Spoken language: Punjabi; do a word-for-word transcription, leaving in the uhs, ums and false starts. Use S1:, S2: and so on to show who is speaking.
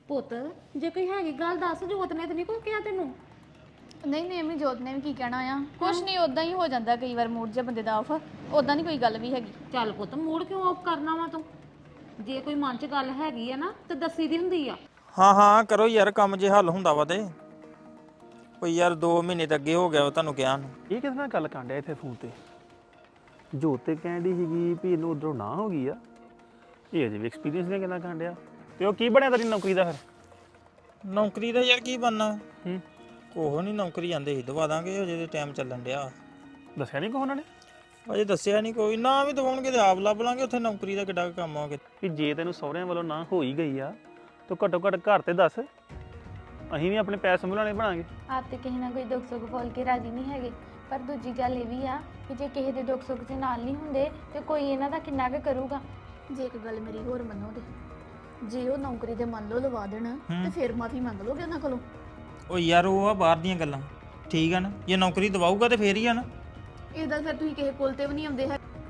S1: ਪੁੱਤ ਜੇ ਕੋਈ ਹੈਗੀ ਗੱਲ ਦੱਸ, ਜੋਤ ਨੇ ਤੇ ਨਹੀਂ ਕੋਈ ਕਿਹਾ ਤੈਨੂੰ?
S2: ਨਹੀਂ ਨਹੀਂ ਅਮੀ, ਜੋਤ ਨੇ ਵੀ ਕੀ ਕਹਿਣਾ ਆ, ਕੁਛ ਨਹੀਂ, ਉਦਾਂ ਹੀ ਹੋ ਜਾਂਦਾ ਕਈ ਵਾਰ ਮੂਡ ਜਿਹਾ ਬੰਦੇ ਦਾ ਆਫ, ਉਦਾਂ ਨਹੀਂ ਕੋਈ ਗੱਲ ਵੀ ਹੈਗੀ।
S1: ਚੱਲ ਪੁੱਤ, ਮੂਡ ਕਿਉਂ ਆਫ ਕਰਨਾ ਵਾ ਤੂੰ? ਜੇ ਕੋਈ ਮਨ 'ਚ ਗੱਲ ਹੈਗੀ ਆ ਨਾ ਤੇ ਦੱਸੀ ਦੀ ਹੁੰਦੀ ਆ।
S3: ਹਾਂ ਹਾਂ ਕਰੋ ਯਾਰ, ਕੰਮ ਜੇ ਹੱਲ ਹੁੰਦਾ ਵਾ ਤੇ ਕੋਈ ਯਾਰ ਦੋ ਮਹੀਨੇ ਤੇ ਅੱਗੇ ਹੋ ਗਿਆ ਵਾ ਤੁਹਾਨੂੰ ਕਿਹਾ ਨੂੰ।
S4: ਇਹ ਕਿਸ ਨਾਲ ਗੱਲ ਕਰਨ ਡਿਆ ਇੱਥੇ ਫੋਨ ਤੇ? ਜੋਤ ਤੇ ਕਹਿਣ ਡਈ ਸੀਗੀ ਵੀ ਇਹਨੂੰ ਉਧਰੋਂ ਨਾ ਹੋ ਗਈ ਆ, ਇਹ ਅਜੇ ਵੀ ਐਕਸਪੀਰੀਅੰਸ ਨੇ ਕਿੰਨਾ ਕਰਨ ਡਿਆ। ਤੇ ਉਹ ਕੀ ਬਣਿਆ ਤੇਰੀ ਨੌਕਰੀ ਦਾ ਫਿਰ?
S3: ਨੌਕਰੀ ਦਾ ਯਾਰ ਕੀ ਬਣਨਾ,
S4: ਹੂੰ,
S3: ਕੋਹ ਨਹੀਂ ਨੌਕਰੀ ਜਾਂਦੇ ਸੀ, ਦਵਾ ਦਾਂਗੇ ਅਜੇ ਤੇ ਟਾਈਮ ਚੱਲਣ ਡਿਆ।
S4: ਦੱਸਿਆ ਨਹੀਂ ਕੋ ਉਹਨਾਂ ਨੇ?
S3: ਅਜੇ ਦੱਸਿਆ ਨਹੀਂ ਕੋਈ, ਨਾ ਵੀ ਦਵਾਉਣਗੇ ਤੇ ਆਪ ਲੱਭ ਲਾਂਗੇ, ਉੱਥੇ ਨੌਕਰੀ ਦਾ ਕਿੱਡਾ ਕੁ ਕੰਮ ਆ।
S4: ਕਿ ਜੇ ਤੈਨੂੰ ਸਹੁਰਿਆਂ ਵੱਲੋਂ ਨਾ ਹੋ ਹੀ ਗਈ ਆ ਤਾਂ ਘੱਟੋ ਘੱਟ ਘਰ ਤੇ ਦੱਸ, ਅਸੀਂ ਵੀ ਆਪਣੇ ਪੈਸੇ ਸੰਭਲਾਣੇ ਬਣਾਂਗੇ।
S2: ਆਪ ਤੇ ਕਿਸੇ ਨਾ ਕੋਈ ਦੁੱਖ ਸੁੱਖ ਬੋਲ ਕੇ ਰਾਜੀ ਨਹੀਂ ਹੈਗੇ, ਪਰ ਦੂਜੀ ਗੱਲ ਇਹ ਵੀ ਆ ਕਿ ਜੇ ਕਿਸੇ ਦੇ ਦੁੱਖ ਸੁੱਖ 'ਚ ਨਾਲ ਨਹੀਂ ਹੁੰਦੇ ਤੇ ਕੋਈ ਇਹਨਾਂ ਦਾ ਕਿੰਨਾ ਕੁ ਕਰੂਗਾ। ਜੇ ਇੱਕ ਗੱਲ ਮੇਰੀ ਹੋਰ ਮੰਨੋ ਤੇ ਜੇ ਉਹ ਨੌਕਰੀ ਤੇ ਮੰਨ ਲਓ ਲਵਾ ਦੇਣ ਤੇ ਫਿਰ ਮਾਫੀ ਮੰਗ ਲੋਗੇ ਉਹਨਾਂ ਕੋਲੋਂ?
S3: ਉਹ ਯਾਰ ਉਹ ਆ ਬਾਹਰ ਦੀਆਂ ਗੱਲਾਂ, ਠੀਕ ਆ ਨਾ? ਜੇ ਨੌਕਰੀ ਦਵਾਊਗਾ ਤੇ ਫੇਰ ਹੀ ਆ ਨਾ।
S2: ਇਹਦਾ ਫਿਰ ਤੁਸੀਂ ਕਿਸੇ ਕੋਲ ਤੇ ਵੀ ਨਹੀਂ ਆਉਂਦੇ ਹੈ।